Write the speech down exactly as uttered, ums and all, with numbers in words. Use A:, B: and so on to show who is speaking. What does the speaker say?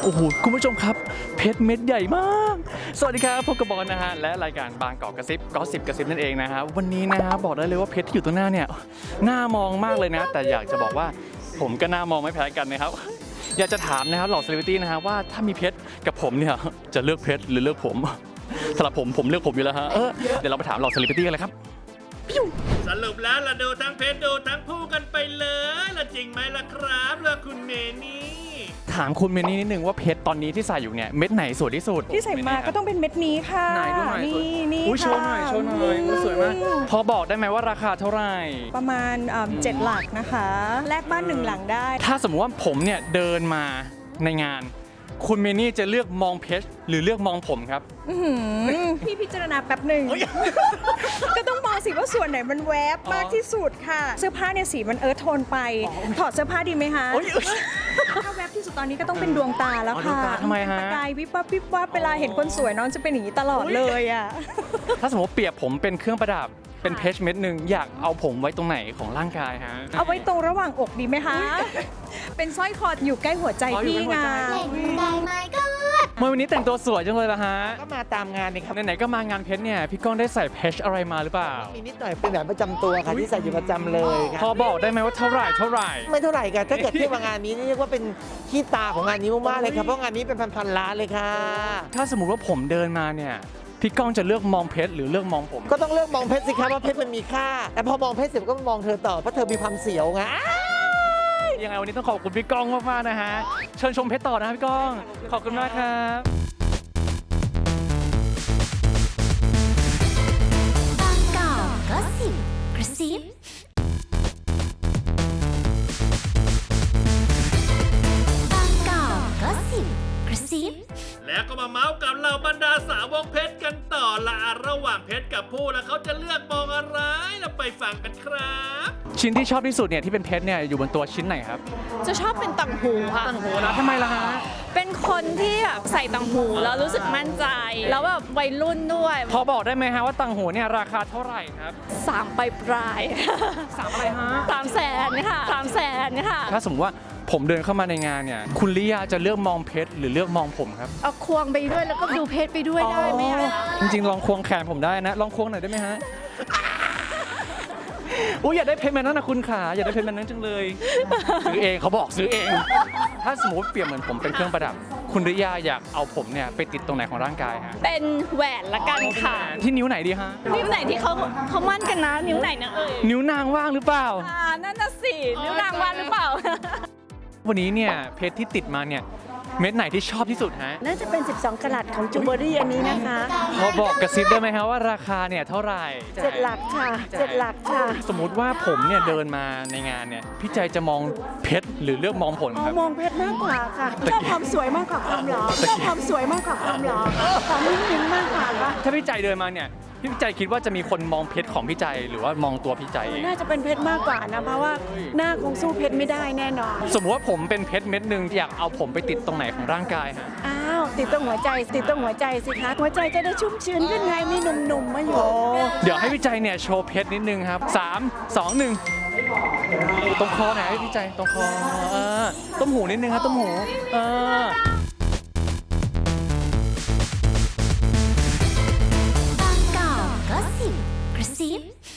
A: โอ้โหคุณผู้ชมครับเพชรเม็ดใหญ่มากสวัสดีครับพบกับบอลนะฮะและรายการบางกอกกระซิบก็สิบกระซิบนั่นเองนะฮะวันนี้นะฮะบอกได้เลยว่าเพชรที่อยู่ตรงหน้าเนี่ยน่ามองมากเลยนะแต่อยากจะบอกว่าผมก็น่ามองไม่แพ้กันนะครับอยากจะถามนะครับเหล่าเซเลบริตี้นะฮะว่าถ้ามีเพชรกับผมเนี่ยจะเลือกเพชรหรือเลือกผมสำหรับผมผมเลือกผมอยู่แล้วฮะเออเดี๋ยวเราไปถามเหล่าเซเลบริตี้กันเลยครับ
B: สรุปแล้วเราดูทั้งเพชรดูทั้งผู้กันไปเลยละจริงไหมล่ะครับเลือกคุณเมนี่
A: ถามคุณเมนี่นิดนึงว่าเพชรตอนนี้ที่ใส่อยู่เนี่ยเม็ดไหนสวยที่สุด
C: ที่ใส่มาก็ต้องเป็นเม็ดนี้ค่ะ
A: ไหนดูหน่อย
C: นี่นี่
A: อุ้ยโช
C: ค่ะ
A: ว์หน่อยโชว์หน่อยอุ้ยสวยมากพอบอกได้ไหมว่าราคาเท่าไหร่
C: ประมาณเอิ่มเจ็ดหลักนะคะ แลกบ้านหนึ่งหลังได้
A: ถ้าสมมติว่าผมเนี่ยเดินมาในงาน คุณเมนี่จะเลือกมองเพชรหรือเลือกมองผมครับ
C: อื้อหือพี่พิจารณาแป๊บหนึ่ง ก็ต้องมองสิว่าส่วนไหนมันแวบมากที่สุดค่ะ เสื้อผ้าเนี่ยสีมันเอิร์ธโทนไป ถอดเสื้อผ้าดีไหมคะ
A: เอ้ย
C: ถ้าแวบที่สุดตอนนี้ก็ต้องเป็นดวงตาแล้ว
A: อ๋อดว
C: ค่ะ
A: งตาทำไมฮะ
C: ประกายวิบวับวิบวับเวลาเห็นคนสวยน้องจะเป็นอย่างนี้ตลอดเลยอ่ะ
A: ถ้าสมมติเปรียบผมเป็นเครื่องประดับเป็นเพชรเม็ดหนึ่งอยากเอาผมไว้ตรงไหนของร่างกายฮะ
C: เอาไว้ตรงระหว่างอกดีไหมคะ เป็นสร้อยคออยู่ใกล้หัวใจ
A: อ๋ออยู่
C: พี่
A: ใกล้
C: ไง
A: หัวใจ เมื่อวันนี้แต่งตัวสวยจังเลยละฮะ
D: ก็มาตามงานนี่ครับ
A: ไหนๆก็มางานเพชรเนี่ยพี่ก้องได้ใส่เพชรอะไรมาหรือเปล่า
D: มีนิดหน่อยเป็นแบบประจำตัวค่ะที่ใส่อยู่ประจำเลยค
A: พอ
D: รับ
A: บอกได้ไหมว่าเท่าไหร่เท่าไหร่
D: ไม่เท่าไหร่ค่ะถ้าเกิดเทียบกับงานนี้นี่เรียกว่าเป็นขี้ตาของงานนี้มากๆเลยครับเพราะงานนี้เป็นพันๆล้านเลยค่ะ
A: ถ้าสมมุติว่าผมเดินมาเนี่ยพี่ก้องจะเลือกมองเพชรหรือเลือกมองผม
D: ก็ต้องเลือกมองเพชรสิครับว่าเพชรมันมีค่า แต่พอมองเพชรเสร็จก็มองเธอต่อเพราะเธอมีความเสียวไง
A: ยังไงวันนี้ต้องขอบคุณพี่ก้องมากๆนะฮะเชิญชมเพชรต่อนะครับพี่ก้องขอบคุณมากครับ
E: บางกอกก็สิบกระซิบางกอกก็สิบกระซิบ
B: แล้วก็มาเมาส์กับเหล่าบรรดาสาวกเพชรกันต่อละระหว่างเพชรกับผู้แล้วเขาจะเลือกมองอะไรเราไปฟังกันครับ
A: ชิ้นที่ชอบที่สุดเนี่ยที่เป็นเพชรเนี่ยอยู่บนตัวชิ้นไหนครับ
F: จะชอบเป็นต่างหูค่ะ
A: โอ้โหนะทำไมล่ะฮะ
F: เป็นคนที่แบบใส่ต่างหูแล้วรู้สึกมั่นใจ แล้วแบบวัยรุ่นด้วย
A: พอบอกได้ไหมฮะว่าต่างหูเนี่ยราคาเท่าไหร่ครับ
F: สามปลายปลาย
A: สามอะไรฮะ
F: สามแสนค่ะสามแสนค่ะ
A: ถ้าสมมติว่าผมเดินเข้ามาในงานเนี่ยคุณลิยาจะเลือกมองเพชรหรือเลือกมองผมครับ
F: เอาควงไปด้วยแล้วก็ดูเพชรไปด้วยได้ไหมคะ
A: จริงๆลองควงแขนผมได้นะลองควงหน่อยได้ไหมฮะอุ้ยอยากได้เพชรแบบนั้นนะคุณขาอยากได้เพชรแบบนั้นจังเลยซื้อเองเขาบอกซื้อเอง ถ้าสมมติเปรียบเหมือนผมเป็นเครื่องประดับ คุณลิยาอยากเอาผมเนี่ยไปติดตรงไหนของร่างกายฮะ
F: เป็นแหวนละกันค่ะ
A: ที่นิ้วไหนดีฮะ
F: นิ้วไหนที่เขาเขามั่นกันนะ นิ้วไหนนะเอ่ย
A: นิ้วนางว่างหรือเปล่า
F: อ่านั่นน่ะสินิ้วนางว่างหรือเปล่า
A: วันนี้เนี่ยเพชรที่ติดมาเนี่ยเม็ดไหนที่ชอบที่สุดฮะ
G: น่าจะเป็น สิบสอง กะรัตของจูเบอรี่อันนี้นะคะ
A: พอบอกกระซิบได้ไหมฮะว่าราคาเนี่ยเท่าไหร่
G: เจ็ดหลักค่ะเจ็ดหลักค่ะ
A: สมมุติว่าผมเนี่ยเดินมาในงานเนี่ยพี่ใจจะมองเพชรหรือเลือกมองผล
G: เอา
A: ครับ
G: มองเพชรมากกว่าค่ะชอบความสวยมากกว่าความหล่อชอบความสวยมากกว่าความหล่อความนิ่งๆมากกว่าค่ะ
A: ถ้าพี่ใจเดินมาเนี่ยพี่ใจคิดว่าจะมีคนมองเพชรของพี่ใจหรือว่ามองตัวพี่ใจเอง
G: น่าจะเป็นเพชรมากกว่านะเพราะว่าหน้าคงสู้เพชรไม่ได้แน่นอน
A: สมมติว่าผมเป็นเพชรเม็ดหนึ่งอยากเอาผมไปติดตรงไหนของร่างกายฮะ
G: อ้าวติดตรงหัวใจติดตรงหัวใจสิคะหัวใจจะได้ชุ่มชื้นขึ้นไงมีหนุ่มๆมาอยู่
A: เดี๋ยวให้พี่ใจเนี่ยโชว์เพชรนิดนึงครับสามสองหนึ่งตรงคอหน่อยให้พี่ใจตรงคอเออต้มหูนิดนึงครับต้มหูเออบ
E: างกอกก็สิบกระซิบ